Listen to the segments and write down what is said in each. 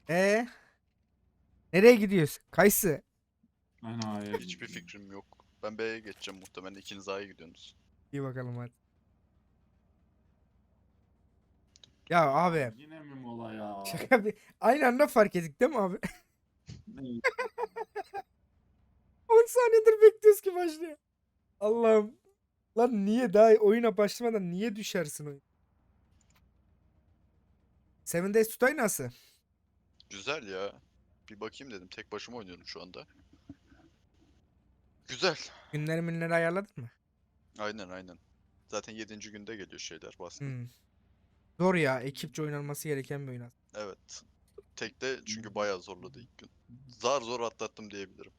Ee, nereye gidiyorsun? Kayısı. Ben A'ya Hiçbir gidiyorum. fikrim yok. Ben B'ye geçeceğim muhtemelen. İkiniz A'ya gidiyorsunuz. İyi bakalım hadi. Ya abi. Yine mi mola ya? Şaka bir. Aynı anda fark ettik değil mi abi? Ne? 10 saniyedir bekliyoruz ki başlıyor. Allah'ım. Lan niye daha oyuna başlamadan niye düşersin oyun? Seven Days to Die nasıl? Güzel ya. Bir bakayım dedim. Tek başıma oynuyorum şu anda. Güzel. Günleri ayarladın mı? Aynen aynen. Zaten 7. günde geliyor şeyler bastım. Hmm. Zor ya. Ekipçe oynanması gereken bir oyun aslında. Evet. Tekte çünkü bayağı zorladı ilk gün. Zar zor atlattım diyebilirim.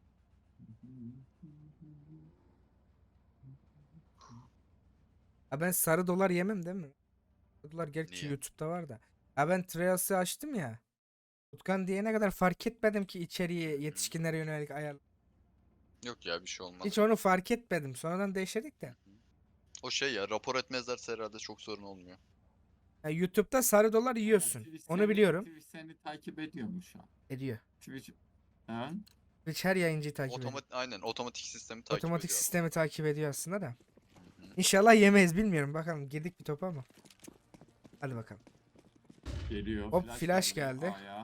Ha ben sarı dolar yemem değil mi? Sarı dolar gerçi Niye? YouTube'da var da. Ha ben Trials'ı açtım ya. Utkan diyene kadar fark etmedim ki içeriği yetişkinlere yönelik ayar. Yok ya bir şey olmaz. Hiç onu fark etmedim. Sonradan değiştirdik de. O şey ya rapor etmezlerse herhalde çok sorun olmuyor. Ha, YouTube'da sarı dolar yiyorsun. Onu biliyorum. Twitch seni takip ediyormuş şu an. Ediyor. Twitch... Ha? Twitch her yayıncıyı takip ediyor. Aynen otomatik sistemi takip Otomatik ediyor sistemi takip ediyor aslında da. adam. Hı hı. İnşallah yemeyiz bilmiyorum. Bakalım girdik bir topa ama. Hadi bakalım. Geliyor. Hop, flash geldi. A'ya.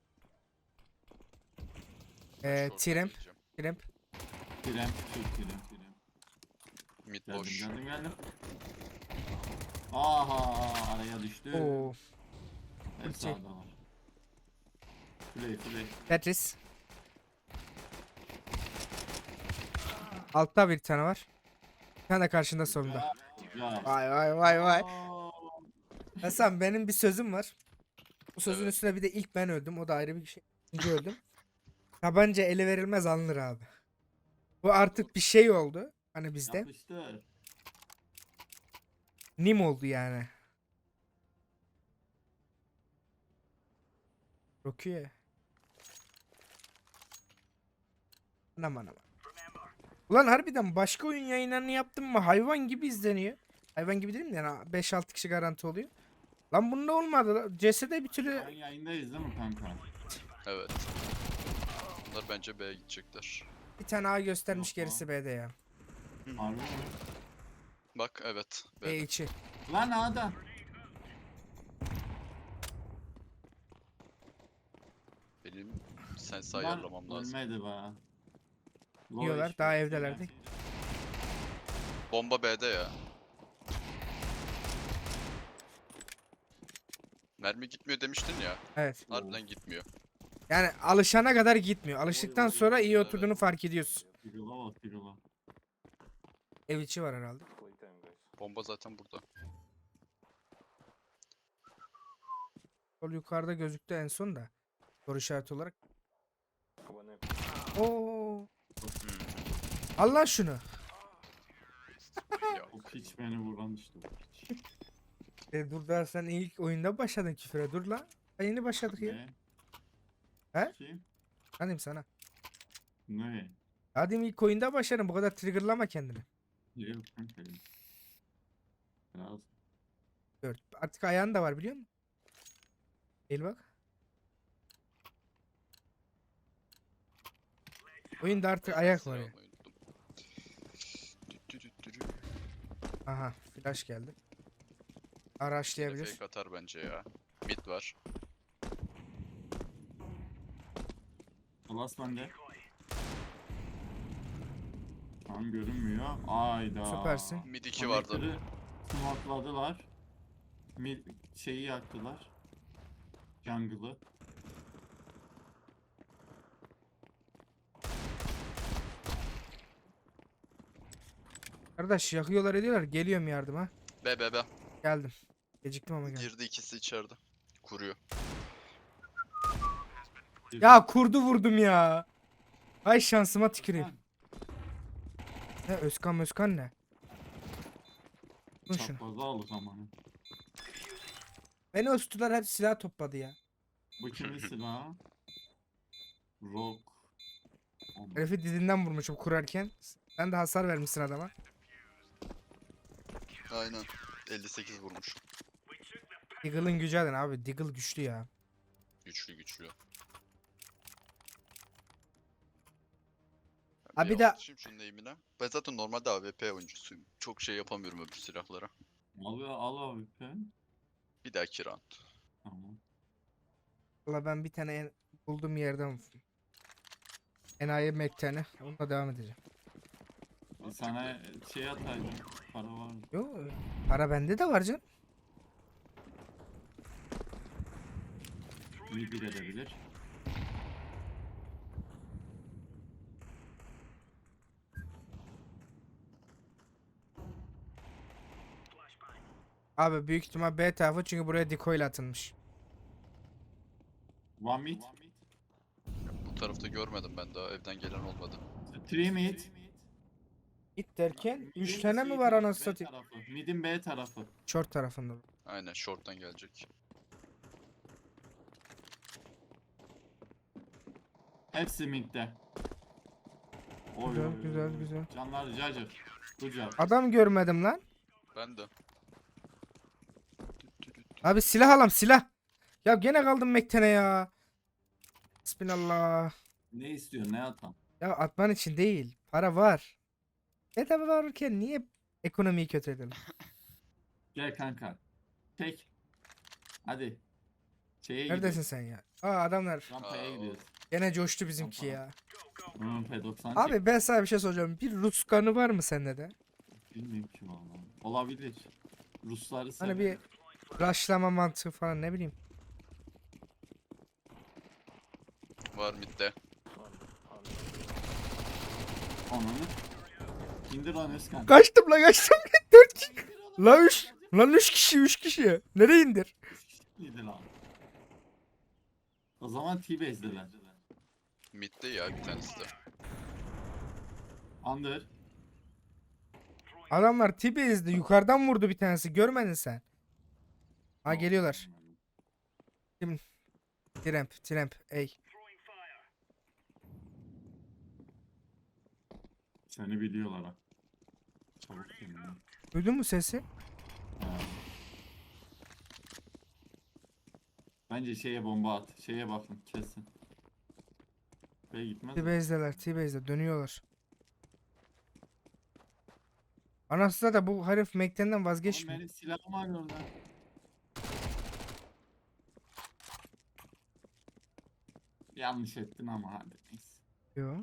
Ben short'a Tramp. gireceğim. Tramp. Tren. Tren. Mid Geldim boş. geldim. Aha araya düştü. Oo. Hep sağda var. Play. Tetris. Altta bir tane var. Bir tane de karşında solunda. Güzel. Vay. Aa, Hasan benim bir sözüm var. Bu sözün Evet. üstüne bir de ilk ben öldüm. O da ayrı bir şey. İkinci öldüm. Tabanca ele verilmez alınır abi. Bu artık bir şey oldu. Hani bizde. Yapıştır. Nim oldu yani. Rokuye. Aman. Ulan harbiden başka oyun yayınlarını yaptım mı hayvan gibi izleniyor. Hayvan gibi değil mi yani 5-6 kişi garanti oluyor. Lan bunda olmadı. CS'de bir türlü Sen yayındayız değil mi kanka? Evet. Bunlar bence B'ye gidecekler. bir tane A göstermiş Yok gerisi B'de ya. Harbi mi? Bak evet. B B'de. içi. Lan A'da. Benim sensi Lan ayarlamam lazım. ölmedi be. Low Yiyorlar, HP, daha evdelerdi. Bomba B'de ya. Mermi gitmiyor demiştin ya. Evet. Harbiden gitmiyor. Yani alışana kadar gitmiyor. Alıştıktan Oy. sonra iyi Evet. oturduğunu fark ediyorsun. Pirula bak pirula. Ev içi var herhalde. Bomba zaten burada. Sol yukarıda gözüktü en son da. Soru işareti olarak. Oo. Hmm. Al lan şunu. Ya. O piç beni vuran işte o piç. Dur daha sen ilk oyunda başladın küfüre. Dur lan. Ha, yeni başladık ya. Ne? He? Kim? Hanım sana. Ne? Hadi ilk oyunda başladın. Bu kadar triggerlama kendini. Yok kanka. Biraz. Gör. Artık ayağın da var biliyor musun? Gel bak. Oyunda artık ayak var ya. Almayı unuttum. Dü. Aha. Flash geldi. Yine Araçlayabilir. fake atar bence ya. Mid var. Alas bende. Tam görünmüyor. Ayda. Süpersin. Mid 2 vardı. Connector'ı smokladılar. Şeyi yaktılar. Jungle'ı. Kardeş yakıyorlar ediyorlar. Geliyorum yardıma. B. Geldim. Geciktim ama geldim. Girdi ikisi içeride. Kuruyor. Ya kurdu vurdum ya. Ay şansıma tüküreyim. Ne Özkan ne? Dur şunu. Çaprazı aldı zamanı. Beni östüler hep silah topladı ya. Bu kimin silahı? Rock. Herifi dizinden vurmuşum kurarken. Sen de hasar vermişsin adama. Aynen. 58 vurmuş. Deagle'ın gücü adın abi. Deagle güçlü ya. Güçlü güçlü. Ha, bir Bir de- alışayım şunun eğimine. Ben zaten normalde AWP oyuncusuyum. Çok şey yapamıyorum öbür silahlara. Al abi. Bir dahaki round. Tamam. Valla ben bir tane bulduğum yerden enayi mekteni. Onunla devam edeceğim. Sana şey ataydım. Para var. Yo, para bende de var canım. Mid edebilir. Abi büyük ihtimal B tarafı, çünkü buraya decoy ile atılmış. One mid. Bu tarafta görmedim ben daha. Evden gelen olmadı. Three mid. Git derken Mid'in 3 tane mi şey var tarafı, anasını B satayım? tarafı. Mid'in B tarafı. Short tarafında. Aynen short'tan gelecek. Hepsi midde. Oy, Güzel, oy, oy, güzel, oy. güzel. Canlar cacır. Good job. Adam görmedim lan. Ben de. Abi silah alam, silah. Ya gene kaldım mektene ya. Bismillah. Ne istiyorsun, ne atam? Ya atman için değil. Para var. Bedava varken niye ekonomiyi kötü edelim? Gel kanka. Tek. Hadi. Şeye Neredesin gidiyoruz. sen ya? Aa, adamlar. Rampaya Aa, gidiyoruz. Gene coştu bizimki Rampa. ya. P90 Abi ben sana bir şey soracağım. Bir Rus kanı var mı sende de? bilmiyorum ki vallahi. Olabilir. Rusları Hani severim. bir rushlama mantığı falan, ne bileyim. var midde. Ananı. İndir lan Özkan. Kaçtım la, kaçtım. 4 kişi. La 3. Lan 3 kişi, 3 kişi. Nereye indir? İndir lan. O zaman T-Base'deler. Midde ya bir tanesi de. Under. Adamlar T-Base'de yukarıdan vurdu bir tanesi. Görmedin sen. Ha, geliyorlar. Tramp, tramp. Ey. Seni biliyorlar ha. Çabuk gelin ya. Duydun mu sesi? Ha. Bence şeye bomba at. Şeye bakın kesin. B'ye gitmez mi? T-Base'deler, T-Base'de dönüyorlar. Anasını da bu herif Mekten'den Oğlum vazgeçmiyor. benim silahım var orada. Yanlış ettin ama hadi neyse. Yo.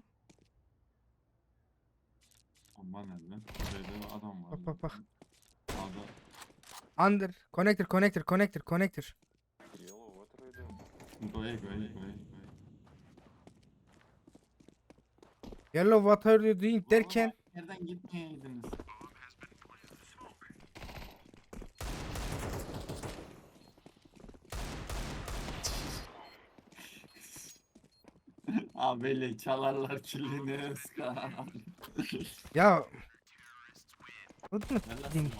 Bomba nerede? B'de adam var. Bak, bak, bak. Sağda. Under. Connector, connector, connector, connector. Goye. Yellow what are you doing derken. Nereden gitmeyeydiniz? Abi çalarlar killini Özkan. Ya. Unutma. Gel lan Din- sen.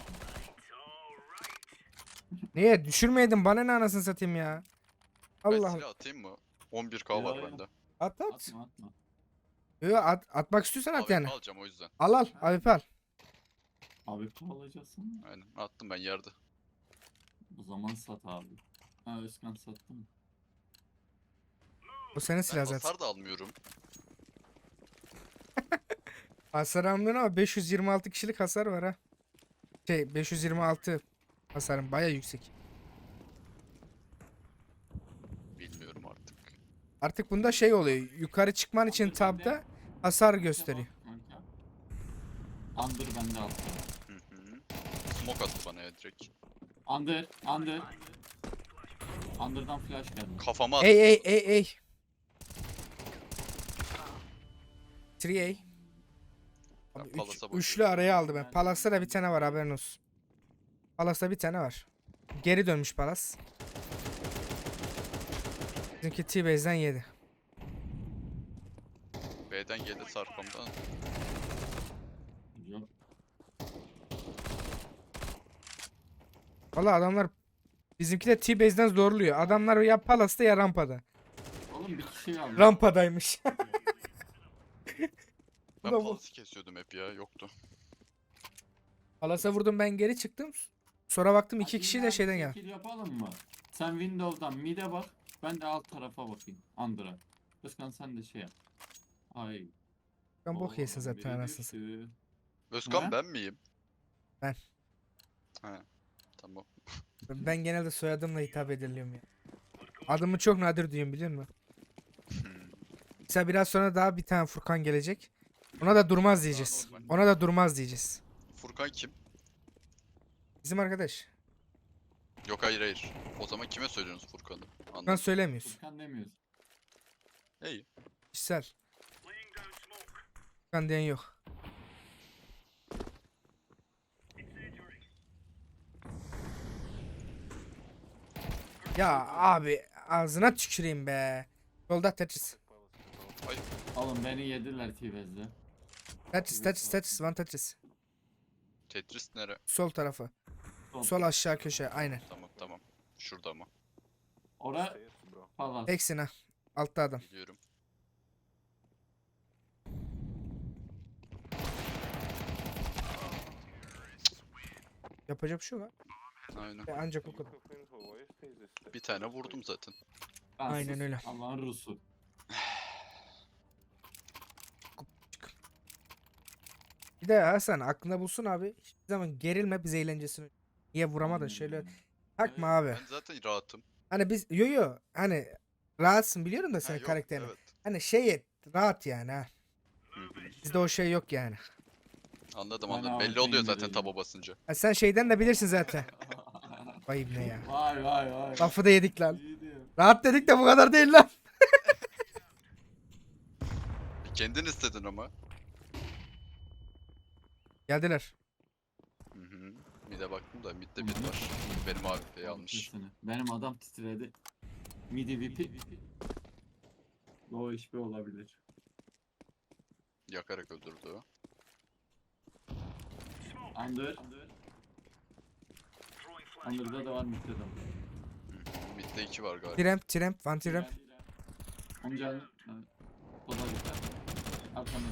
Niye düşürmeydin, bana ne anasını satayım ya. Ben Allah. silah atayım mı? 11k var Yo, yo. bende. At at. Atma. Yo, atmak istiyorsan at AWP yani. alacağım o yüzden. Al AWP al. Abi alacaksın. Aynen attım ben yerde. O zaman sat abi. Ha Özkan sattı mı? Bu senin Ben silah zaten. hasar da almıyorum. Hasar almıyorsun ama 526 kişilik hasar var ha. 526 hasarım baya yüksek. Bilmiyorum artık. Artık bunda şey oluyor. Yukarı çıkman için tabda hasar gösteriyor. Kanka. Under bende attı. Hı hı. Smoke attı bana ya direkt. Under. Under'dan flash geldi. Kafama attı. Ey. 3A. Ben Abi Palas'a bakıyorum. üçlü araya aldı ben. Palas'ta da bir tane var, haberin olsun. Palas'ta bir tane var. Geri dönmüş Palas. Bizimki T-Base'den yedi. B'den geldi sarkamdan. Yok. Valla adamlar bizimki de T-Base'den zorluyor. Adamlar ya Palas'ta ya rampada. Oğlum bir kişi kaldı. Rampadaymış. Ben da bu. Palas'ı kesiyordum hep ya yoktu. Palas'a vurdum, ben geri çıktım. Sonra baktım iki Hadi kişi yine de aynı şeyden geldi. şekil yapalım mı? Sen Windows'dan mid'e bak. Ben de alt tarafa bakayım. Under'a. Özkan sen de şey yap. Ay. Ben bok yesin oğlum zaten biri anasını. düştü. Özkan Ha? ben miyim? Ben. Ha. Tamam. Ben genelde soyadımla hitap ediliyorum ya. Adımı çok nadir duyuyorum biliyor musun? Mesela biraz sonra daha bir tane Furkan gelecek. Ona da durmaz diyeceğiz. Ona da durmaz diyeceğiz. Furkan kim? Bizim arkadaş. Yok hayır hayır. O zaman kime söylüyorsunuz Furkan'ı? Furkan Anladım. söylemiyoruz. Furkan demiyoruz. İyi. Kişisel. Furkan diyen yok. Ya abi ağzına tüküreyim be. Yolda Tetris. Oğlum beni yediler T-Bez'de. Tetris, one Tetris. Tetris nere? Sol tarafı. Sol aşağı köşe, aynen. Tamam tamam. Şurada mı? Ora falan. Teksin ha. Altta adam. Biliyorum. Yapacak bir şey yok ha. Aynen. Ancak o kadar. Bir tane vurdum zaten. Ben Aynen sus, öyle. Allah'ın Rusu. Bir de Hasan aklında bulsun abi. Hiçbir zaman gerilme biz eğlencesini. Niye vuramadın Aynen şöyle. öyle. Takma Evet, abi. Ben zaten rahatım. Hani biz yo hani rahatsın biliyorum da Ha, senin yok, karakterini. evet. Hani şey et rahat yani ha. Hı hı. Bizde o şey yok yani. Anladım Ben anladım. Belli AWP oluyor zaten indireceğim. taba basınca. Ha, sen şeyden de bilirsin zaten. Vay ne ya. Vay vay vay. Lafı da yedik lan. İyi diyor. Rahat dedik de bu kadar değil lan. Kendin istedin ama. Geldiler. Hı hı. Mid'e baktım da mid'de bir var. Benim AWP'yi almış. Haklısın. Benim adam titredi. Midi VP. O iş bir olabilir. Yakarak öldürdü o. Under. Under'da da var mid'de de var. Hı hı. Mid'de 2 var galiba. Tramp, one tramp. Amca o da güzel. Arkamda.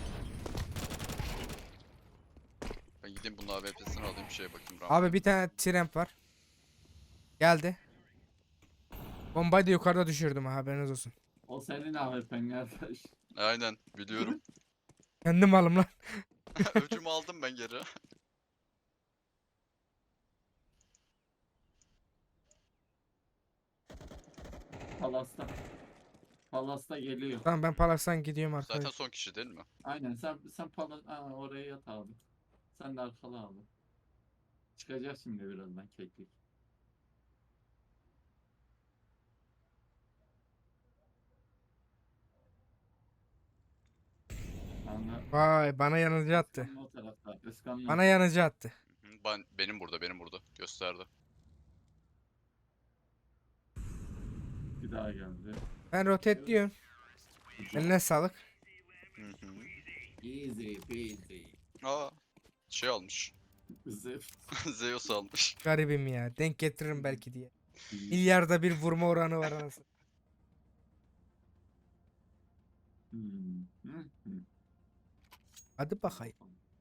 Ben gideyim bunun AWP'sini alayım şeye bakayım. Abi bir tane tramp var. Geldi. Bombayı da yukarıda düşürdüm ha haberiniz olsun. O senin AWP'n kardeş. Aynen biliyorum. Kendim alım lan. Öcümü aldım ben geri. Palas'ta. Palas'ta geliyor. Tamam ben Palas'tan gidiyorum Zaten arkadaş. son kişi değil mi? Aynen sen Palas oraya yat abi. Sen de arkala abi. Çıkacak şimdi birazdan keklik. Anla. Vay bana yanıcı attı. Özkan'ın o tarafta. Özkan'ın Bana yanıcı attı. Hı, benim burada gösterdi. bir daha geldi. Ben rotate diyorum. Eline sağlık. Hı hı. Easy peasy. Aa şey almış. Zıf. Zeus almış. Garibim ya. Denk getiririm belki diye. Milyarda bir vurma oranı var anasını. Hı. Hadi bakayım.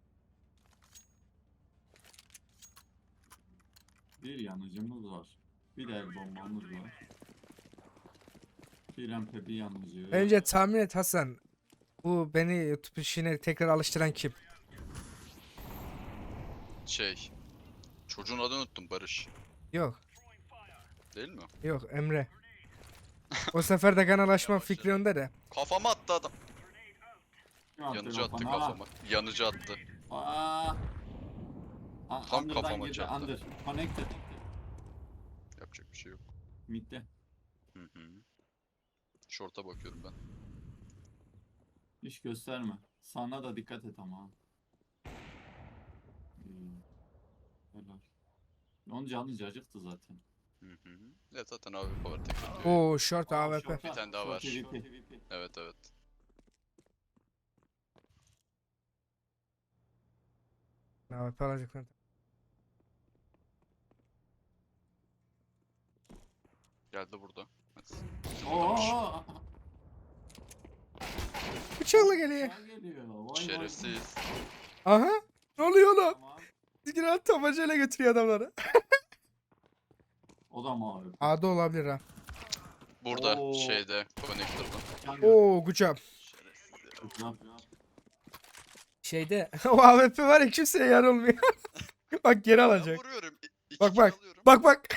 Bir yanıcımız var. Bir de el bombamız var. Bir rampe bir yanıcı. Önce tahmin et Hasan. Bu beni YouTube işine tekrar alıştıran kim? Şey. Çocuğun adını unuttum Barış. Yok. Değil mi? Yok Emre. O sefer de kanal açma fikri onda da. Kafama attı adam. Kim attı Yanıcı attı kafana? kafama. Yanıcı attı. Aa. Tam Under'dan kafama girdi, çarptı. Under. Connected. Yapacak bir şey yok. Mid'de. Hı hı. Short'a bakıyorum ben. Hiç gösterme. Sana da dikkat et ama. İyi. Helal. Onun canı cacıktı zaten. Hı hı. Ya zaten AWP var tek atıyor. Oo short AWP. Şorta, Bir tane daha var. şort PvP. Evet evet. AWP alacak lan. Geldi burada. Evet. Oo. Bıçakla geliyor. Bıçağı geliyor. Vay vay. Şerefsiz. Aha. Ne oluyor lan? Tamam. Sigiral tabancayla götürüyor adamları. O da mı abi? A'da olabilir ha. Burada Oo. şeyde connector'da. Oo gücüm. Şerefsiz ya. Şeyde o AWP var ya kimseye yar olmuyor. Bak geri Ben alacak. vuruyorum. İki Bak kill bak. alıyorum. Bak bak.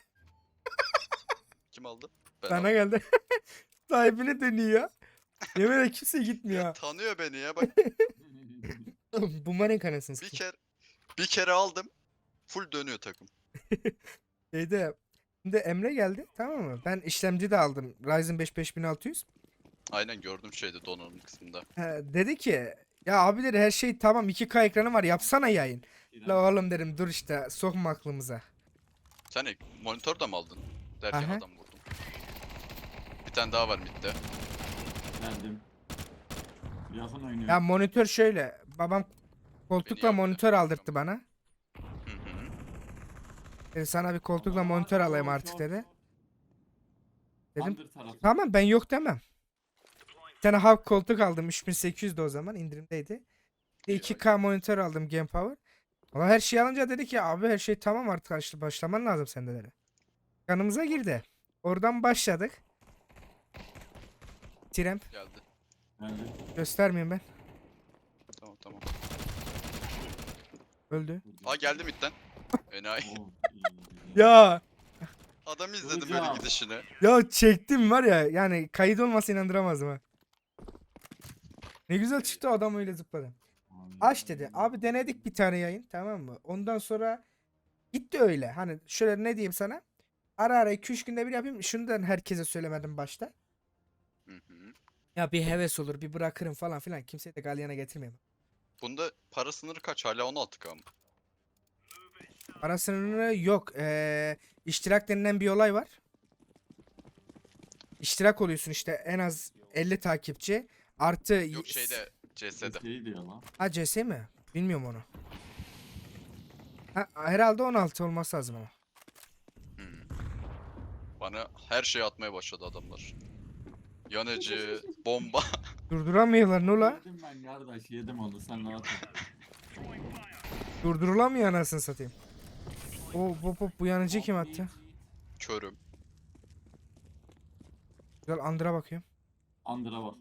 Kim aldı? Ben Sana aldım. geldi. Sahibine dönüyor. Yemin ederim kimse Ya gitmiyor. tanıyor beni ya bak. Bumerang anasını Bir satayım. kere aldım. Full dönüyor takım. Şeyde şimdi Emre geldi tamam mı? Ben işlemci de aldım. Ryzen 5 5600. Aynen gördüm şeyde donanım kısmında. Dedi ki ya abi dedi her şey tamam 2K ekranı var yapsana yayın. La oğlum dedim dur işte sokma aklımıza. Sen monitör de mi aldın? Derken Aha. adam vurdum. Bir tane daha var midde. Geldim. Yakın oynuyor. Ya monitör şöyle babam koltukla yaptı. monitör aldırttı bana. Hı hı. Dedi sana bir koltukla monitör alayım artık dedi. Dedim Under tarafı. tamam ben yok demem. Bir tane halk koltuk aldım 3800'de o zaman indirimdeydi. Bir de 2K monitör aldım Game Power. Ama her şeyi alınca dedi ki abi her şey tamam artık işte başlaman lazım sende dedi. Kanımıza girdi. Oradan başladık. Tramp Geldi. Geldim. göstermeyeyim ben. Tamam tamam. Öldü. Aa geldi midden. Enayi. Oo, iyi. Ah. Ya Adam izledim Hocam. böyle gidişini. ya çektim var ya yani kayıt olmasa inandıramazdım ha. Ne güzel çıktı adam öyle zıpladı. Aç dedi. Abi denedik bir tane yayın tamam mı? Ondan sonra gitti öyle. Hani şöyle ne diyeyim sana? Ara ara 2-3 günde bir yapayım. Şundan herkese söylemedim başta. Hı hı. Ya bir heves olur bir bırakırım falan filan. Kimseyi de galyana getirmeyeyim. Bunda para sınırı kaç? Hala 16K mı? Para sınırı yok. İştirak denilen bir olay var. İştirak oluyorsun işte en az 50 takipçi. Artı Yok şeyde CS'de. Şey diyor lan. Ha CS mi? Bilmiyorum onu. Ha, herhalde 16 olması lazım ama. Hı. Bana her şeyi atmaya başladı adamlar. Yanıcı, bomba. Durduramıyorlar Nula. Yedim ben kardeş yedim onu sen rahat ol. Durdurulamıyor anasını satayım. Bu yanıcı kim attı? Körüm. Güzel Andra bakıyorum. Under'a bak.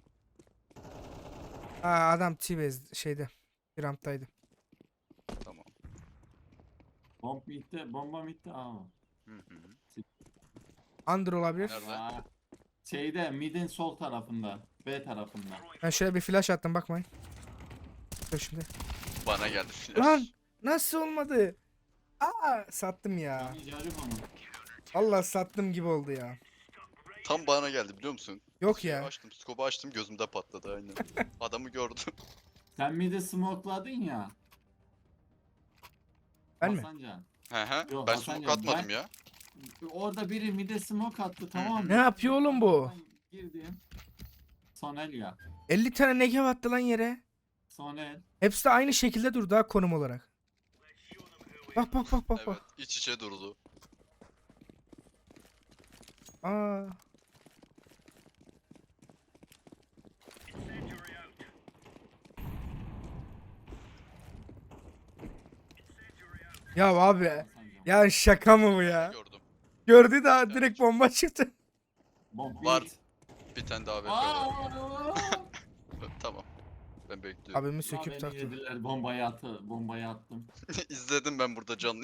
Aa adam T-Base şeyde. Bir ramptaydı. Tamam. Bomb bitti, bomba bitti. Aa. Hı hı. Under olabilir. Nerede? Aa. Şeyde midin sol tarafında. B tarafında. Ben şöyle bir flash attım bakmayın. Dur şimdi. Bana geldi flash. Lan nasıl olmadı? Aa sattım ya. Yani yarım onu. Allah sattım gibi oldu ya. Tam bana geldi biliyor musun? Yok Şeyi ya. Açtım, scope'u açtım gözümde patladı aynen. Adamı gördüm. Sen midi smoke'ladın ya. Ben mi? Hasancan. He he. Yok, Ben Hasan smoke yok, atmadım ben- ya. Orada biri mide smoke attı tamam mı? Ne yapıyor oğlum bu? Ben girdim. Sonel ya. 50 tane negev attı lan yere. Sonel. Hepsi de aynı şekilde durdu ha konum olarak. Bak bak bak bak Evet. bak. İç içe durdu. Aa. Ya abi. Hasancan. Ya şaka mı bu ya? Gördüm. Gördü daha direkt bomba çıktı. Bomb Var. mid. Bir tane daha AWP Aa! var. Tamam. Ben bekliyorum. Abimi Ya söküp beni taktı. yediler bombayı attım. İzledim ben burada canlı.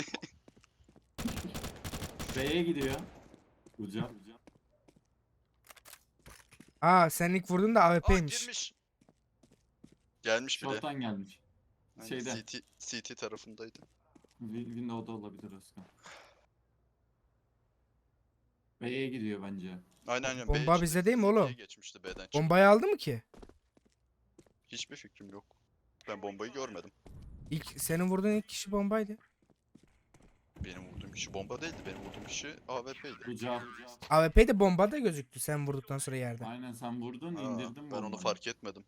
B'ye gidiyor. Uca. Aa sen ilk vurdun da Aa AWP'ymiş. girmiş. Gelmiş bile. Short'tan gelmiş. Yani şeyde. CT tarafındaydı. Windows'da olabilir Özkan. B'ye gidiyor bence. Aynen. Bomba B bizde işte değil mi oğlum? CT'ye geçmişti B'den çıktı. Bombayı aldı mı ki? Hiçbir fikrim yok. Ben bombayı görmedim. Senin vurduğun ilk kişi bombaydı. Benim vurduğum kişi bomba değildi. Benim vurduğum kişi AWP'ydi. Uca. AWP de bomba da gözüktü sen vurduktan sonra yerde. Aynen sen vurdun Aa, indirdin ben onu bombayı. fark etmedim.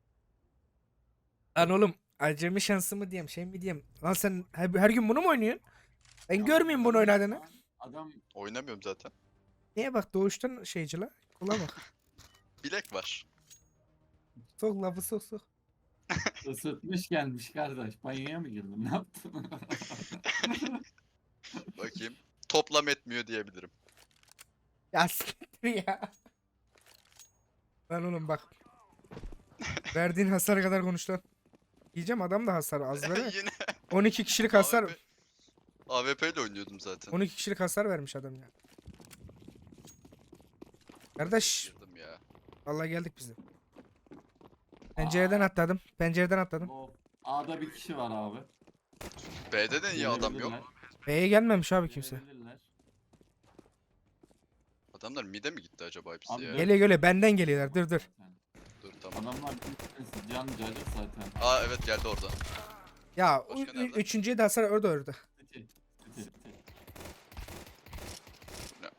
Lan oğlum acemi şansı mı diyeyim şey mi diyeyim. Lan sen her gün bunu mu oynuyorsun? Ben görmeyeyim bunu oynadığını. Adam Oynamıyorum zaten. Niye bak doğuştan şeyci la. Kula bak. Bilek var. Sok lafı sok sok. ısıtmış gelmiş kardeş. Banyoya mı girdin? Ne yaptın? Bakayım. toplam etmiyor diyebilirim. Ya siktir ya. Lan oğlum bak. Verdiğin hasar kadar konuş lan. Diyeceğim adam da hasar az ver. Yine 12 kişilik hasar. AWP, AWP ile oynuyordum zaten. 12 kişilik hasar vermiş adam ya. Kardeş. Girdim ya. Vallahi geldik biz de. Pencereden atladım. Pencereden atladım. Oh. A'da bir kişi var abi. B'de de niye adam yok? B'ye gelmemiş abi kimse. Gelebilirler. Adamlar mid'e mi gitti acaba hepsi Abi ya? dört- Geliyor geliyor benden geliyorlar. Dur dur. Dur tamam. Adamlar bir can cacık zaten. Aa evet geldi oradan. Ya Başka nerede? üçüncüye de hasar orada. City, City. Ne?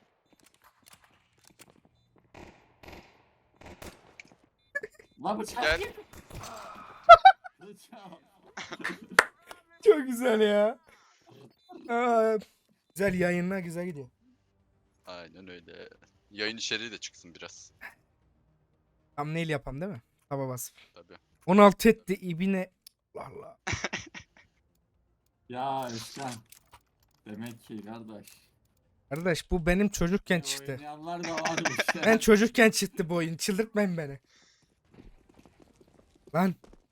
Lan bıçak. Gel. Bıçak. Çok güzel ya. Aa, güzel yayınlar güzel gidiyor. Aynen öyle. Yayın içeriği de çıksın biraz. Thumbnail yapam değil mi? Taba basıp. Tabii. 16 etti ibine. Allah Allah. Ya Özkan. Demek ki kardeş. Kardeş bu benim çocukken çıktı. Oynayanlar da varmış ya. Ben çocukken çıktı bu oyun. Çıldırtmayın beni. Lan.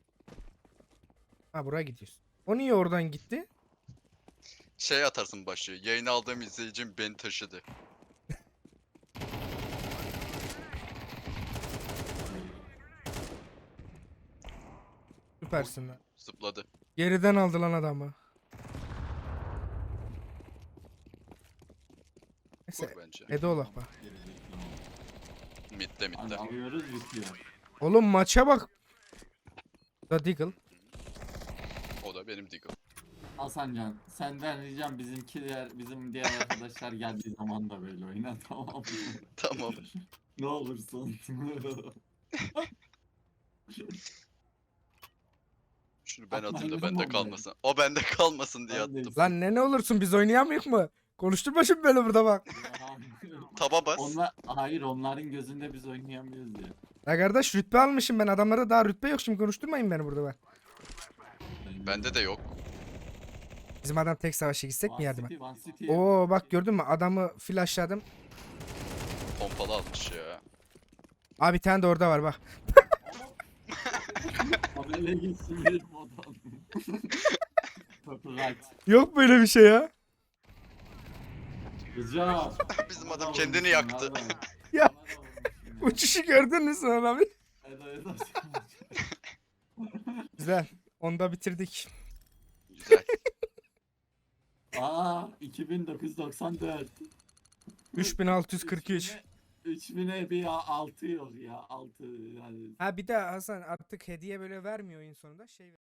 Ha buraya gidiyorsun. O niye oradan gitti? Şey atarsın başlıyor. Yayını aldığım izleyicim beni taşıdı. Süpersin lan. Zıpladı. Geriden aldı lan adamı. Neyse. Vur bence. Edo'lak bak. Mid'de Hadi mid'de. alıyoruz bitiyor. Oğlum maça bak. Da Deagle. O da benim Deagle. Hasancan senden ricam bizim diğer arkadaşlar geldiği zaman da böyle oyna tamam mı? Tamam. Ne olursun. Şunu ben Atma, atayım da elini bende bombayı. kalmasın. O bende kalmasın diye Ben de attım. Lan ne olursun biz oynayamıyoruz mu? Konuşturma şimdi beni burada bak. Taba bas. Hayır onların gözünde biz oynayamıyoruz ya. Ya kardeş rütbe almışım ben adamlara daha rütbe yok şimdi konuşturmayın beni burada bak. Bende de yok. Bizim adam tek savaşa gitsek mi yardıma? One City. Oo bak gördün mü adamı flashladım. Pompalı almış ya. Abi bir tane de orada var bak. Habere gitsin bir modon. Copyright. Yok böyle bir şey ya. Güzel. Bizim adam kendini yaktı. Ya. Uçuşu gördün mü sen abi? Güzel. Onu da bitirdik. Güzel. Aa 2994. 3643. 3000'e bir 6 yok ya 6 yani. Ha bir de Hasan artık hediye böyle vermiyor oyun sonunda şey